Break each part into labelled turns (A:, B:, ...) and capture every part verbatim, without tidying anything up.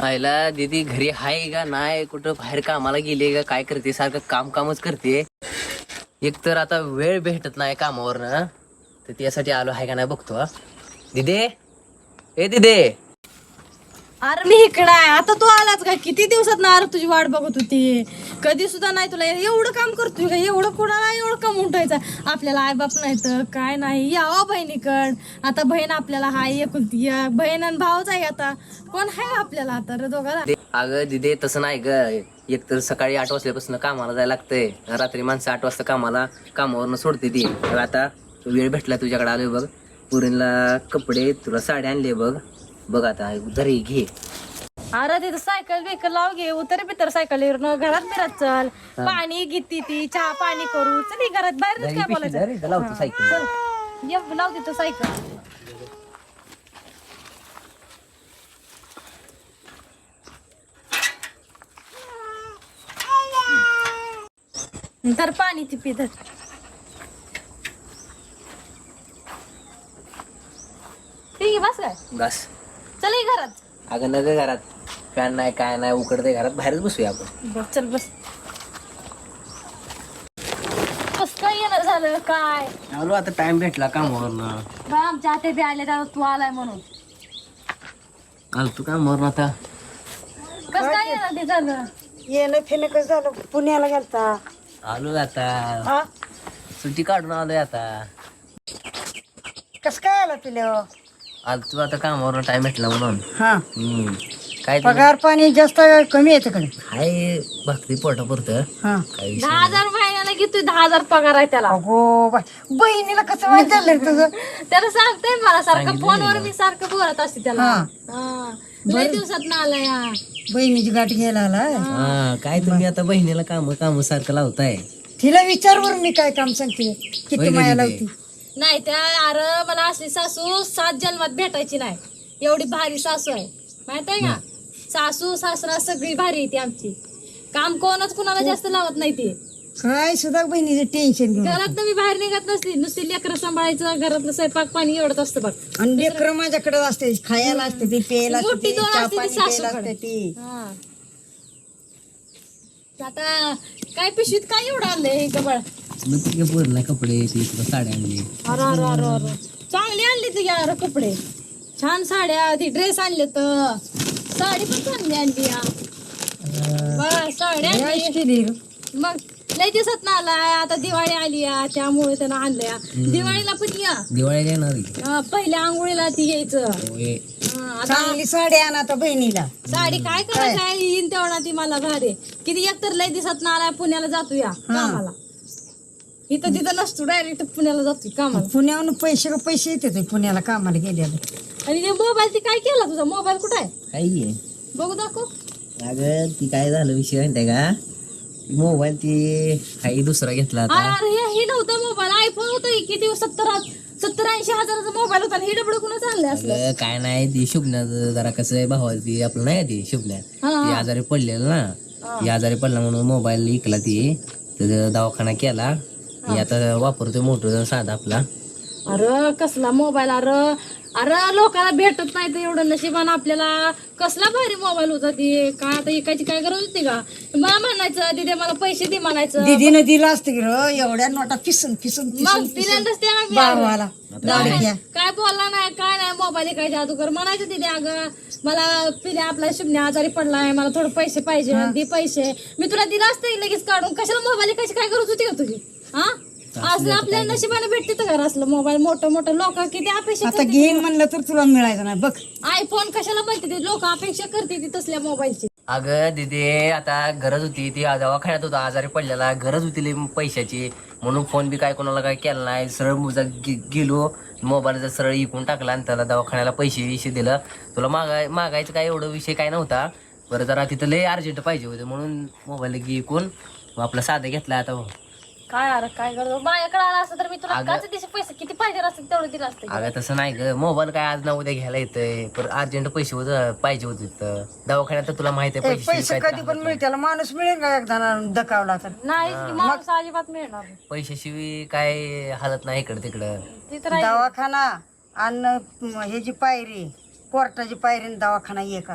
A: आयला दीदी घरी हाय का नाही, कुठं बाहेर कामाला गेली का काय करते, सारखं काम कामच करते. एक तर आता वेळ भेटत नाही कामावरनं, तर त्यासाठी आलो आहे का नाही बघतो. हा दिदे, ए दिदे.
B: अरे मी इकडं आहे. आता तू आलाच का? किती दिवसात ना अरे तुझी वाट बघत होती. कधी सुद्धा नाही तुला एवढं काम करतोय का? एवढं कुणाला एवढं काम उठायचं? आपल्याला आईबाप नाही तर काय नाही, यावं बहिणीकड. आता बहीण आपल्याला हाय एकुलती एक बहीण आणि भावच आहे. आता कोण आहे आपल्याला आता रे दोघाला?
A: अगं दिदे तसं नाही ग. एक तर सकाळी आठ वाजल्यापासून कामाला जायला लागतंय, रात्री माणसं आठ वाजता कामाला कामावरनं सोडते ती. तर आता वेळ भेटला तुझ्याकडे आलोय बघ. पुरीला कपडे, तुला साडी आणली बघ. बघ आता जरी घे.
B: अरे तिथं सायकल बिकल लाव घे, उतर बितर सायकल घरात बिरात चल. पाणी घेती ती, चहा पाणी करू चल घरात. बाहेर काय बोलायचं?
A: लावतो सायकल.
B: चल ये लाव तिथं सायकल. तर पाणी ती पिधर. ठीक आहे बस काय
A: बस.
B: चल ये घरात.
A: अगं नग घरात फॅन नाही काय नाही, उकडते घरात, बाहेरच बसूया आपण.
B: बस चल बस. कस काय येणार झालं काय?
A: आलो आता, टाइम भेटला कामावरनं.
B: बा आमच्या आते बी आले तर तू आलाय म्हणून.
A: आलो तू कामावरनं आता.
B: कस काय येणार ते झालं?
C: येणं फिरणं कसं झालं? पुण्याला गेलता.
A: आलो आता,
C: हा
A: सुट्टी काढून आलोय आता.
C: कसं काय आला तुला?
A: आलो तू आता कामावरनं, टाइम भेटला म्हणून.
C: हा
A: हम्म काय ते-
C: पगार पाणी जास्त कमी येतं कडे.
A: हाय भक्ती पोटा पुरतं.
C: हा
A: काही विषय
B: दहा हजार महिन्याला घेतोय, दहा हजार पगार आहे त्याला.
C: अगो बाय, बहिणीला कसं माहित झालं रे तुझं?
B: त्याला सांगतोय मला सारखं
A: सांगितलं
B: फोनवर,
A: नाही
B: मी सारखं बोलत असते त्याला.
C: हा.
B: हा. लय दिवसात ना आलाय हा.
C: बहिणीची गाठ घ्यायला आलाय.
A: हा काय तुम्ही आता बहिणीला काम काम सारखं लावताय.
C: तिला विचार बरं मी काय काम सांगते, किती
A: होय
C: माया
A: गं
C: लावती.
B: नाही त्या अरे मला असली सासू सात जन्मात भेटायची नाही. एवढी भारी सासू आहे माहित आहे का? सासू सासरा सगळी भारी आहे ती आमची. काम कोणच कुणाला जास्त लावत नाही ती.
C: काय सुद्धा बहिणीचं टेन्शन घेऊन.
B: घरात मी बाहेर निघत नसली, नुसती लेकरं सांभाळायचं, घरातलं स्वयंपाक पाणी एवढंच असतं बघ.
C: आणि लेकरं माझ्याकडे असते, खायला असते ती, प्यायला असते
B: मोठी
C: ती,
B: दोन
C: चहा
B: असते ती
C: पाणी प्यायला
B: सासूकडे.
C: असते ती.
B: हा. आता काय पिशवीत काय एवढं आणलंय गबळ?
A: मग तुझ्या पोरीला कपडे ते तुला साड्या आणली.
B: अरे अरे अरे अरे चांगली आणली तू यार कपडे, छान साड्या, ती ड्रेस आणले तर साडी पण चांगली आणली. या बस साड्या
C: काय
B: आणली.
C: केली?
B: मग लय दिवसात ना आलाय, आता दिवाळी आली या, त्यामुळे त्यानं आणल्या. दिवाळीला पण या,
A: दिवाळी येणार की?
B: अं, पहिल्या आंघोळीला ती यायचं.
A: होय.
B: हं, आता
C: चांगली साडी आण आता बहिणीला.
B: साडी काय करायचं आहे, येईन तेवढा ती मला भारी. किती एकतर लय दिवसात ना आलाय, पुण्याला जातो या कामाला. इथं तिथं नसतो, डायरेक्ट पुण्याला जातो कामाला.
C: पुण्याहून पैसे का पैसे येते पुण्याला कामाला गेल्याला.
B: आणि ते मोबाईल ती काय केला तुझा? मोबाईल कुठं आहे
A: काही आहे.
B: बघू दाखव.
A: अगं ती काय झालं विषय माहितीये का? मोबाईल ती काही दुसरा घेतला
B: अरे
A: आता.
B: अरे हे हे नव्हतं मोबाईल, आयफोन होतं. किती सत्तर सत्तर ऐंशी हजाराचा मोबाईल होता. हे डबड कुणाच आणलं असलं?
A: अगं काय नाही, ती शुभण्याचं जरा कसं आहे, भावाला ती आपलं नाही ती शुभण्या,
B: हा, हा.
A: ती आजारी पडलेलं ना. ती आजारी पडला म्हणून मोबाईल विकला ती, तर दवाखाना केला. मी आता वापरतोय मोठं साधा आपला.
B: अरे कसला मोबाईल? अरे अरे लोकांना भेटत नाही तर एवढं नशिबान आपल्याला. कसला भारी मोबाईल होता ती. काय आता एकाची काय गरज होती का? मला म्हणायचं तिथे मला पैसे दे म्हणायचं.
C: दीदीनं दिलं असतं की र, एवढ्या नोटा पिसून पिसून
B: मग
C: पिसून
B: तिल्यांदाच ते आम्ही
C: भावाला
B: दवाखान्यात काय बोलला नाही काय नाही, मोबाईल काय जादूकर म्हणायचं तिथे. अगं मला पिल्या आपला शुभण्या आजारी पडलाय, मला थोडे पैसे पाहिजे, दे पैसे. मी तुला दिला असतं लगेच काढून. कशाला मोबाईल कशी काय गरज होती का तुझी? हा असलं आपल्या नशिबाने भेटते तर घर असलं मोबाईल. मोठं मोठं लोक किती अपेक्षा
C: आता घेईन म्हणलं तर तुला मिळायचं नाही बघ.
B: आयफोन कशाला म्हणते ते लोक, अपेक्षा करते ती तसल्या मोबाईलची.
A: अगं दिदी आता गरज होती, ती दवाखान्यात होता आजारी पडलेला, गरज होती लई पैशाची, म्हणून फोन बी काय कोणाला काय केला नाही. सरळ मुजा गेलो मोबाईलचा सरळ इकून टाकला आणि त्याला दवाखान्याला पैसे विषय दिलं. तुला मागाय मागायचं काय एवढं विषय काय नव्हता. बरं जरा तिथं लय अर्जंट पाहिजे होते म्हणून मोबाईल इकून आपला साधा घेतला. आता
B: काय अरे काय करतो, माझ्याकडे आला असतं तर मी तुला काच दिवशी पैसे किती पाहिजे असते तेवढं दिलं असतं.
A: अगं तसं नाही ग, मोबाईल काय आज ना उद्या घ्यायला येतंय, पण अर्जंट पैसे होत पाहिजे होते तर दवाखान्यात. तर तुला माहिती आहे
C: पैसे
A: पैसे
C: कधी पण मिळतील, माणूस मिळेल का एकदा दकावला तर?
B: नाही की माणूस अजिबात मिळणार नाही.
A: पैशाशिवाय काय हालत नाही इकडं तिकडं.
B: ती तर आहे.
C: दवाखाना आणि ह्याची पायरी, कोर्टाची पायरी आणि दवाखाना एक असतो.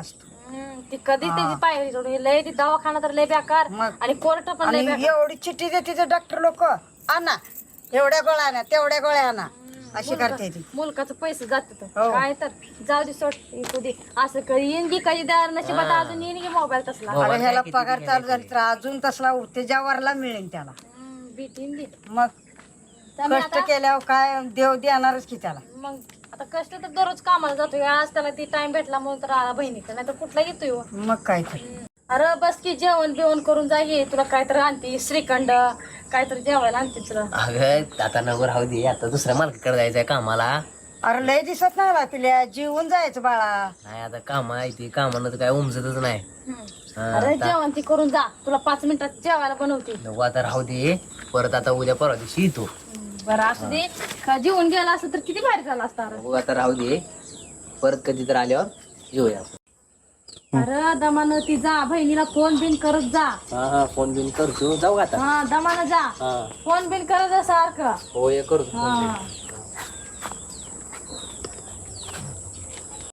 B: हम्म, ती कधी त्याची पायरी सोडून लय ती दवाखाना तर लय बेकार
C: मग.
B: आणि कोर्ट पण लय
C: आणि
B: बेकार.
C: एवढी चिठ्ठी देते ते डॉक्टर लोक आणा एवढ्या गोळ्या आणा तेवढ्या गोळ्या आणा अशी करते ती
B: मुलकाचं पैसे जातात
C: हो.
B: काय तर जाऊ दे सोड इकू दे असं कधी येईन की कधी दार नशिबात अजून येईन की मोबाईल तसला
A: हो.
C: अरे ह्याला पगार चालू झाली तर अजून तसला उठते ज्यावरला मिळेल त्याला
B: हम्म, भेटीन दे
C: मग
B: त्यामुळे
C: कष्ट
B: आता-
C: केल्यावर काय देव देणारच की त्याला
B: मग आता कष्ट तर दररोज कामाला जातोय आज त्याला ती टाइम भेटला म्हणून तर आला बहिणीकडे नाही तर कुठला येतोय हो.
C: मग काय तर
B: अरे बस की जेवण बिवण करून जा ये तुला काहीतरी आणते श्रीखंड काहीतरी जेवायला आणते तुला
A: अगं आता नवर राहू दे आता दुसऱ्या मालकाकडे जायचंय कामाला.
C: अरे लय दिसत नाही बा पिल्या जीवन जायचं बाळा
A: नाही आता काम आहे ती कामानं तर काय उमजतच नाही. हा,
B: अरे
A: आता-
B: जेवण ती करून जा तुला पाच मिनिटात जेवायला बनवते
A: नको आता राहू दे परत आता उद्या परवा दिवशी येतो.
B: बरं असू दे का जेवण गेला असं तर किती भारी झाला असता अरे.
A: बघू आता राहू दे परत कधी तर आल्यावर येऊया आपण.
B: अरे दमानं ती जा बहिणीला फोन बिन करत जा
A: हा हा फोन बिन करतो जाऊ का आता.
B: हा दमानं जा
A: हा
B: फोन बिन करत जा सारखं
A: हो हे करतो phone बिन.
B: हा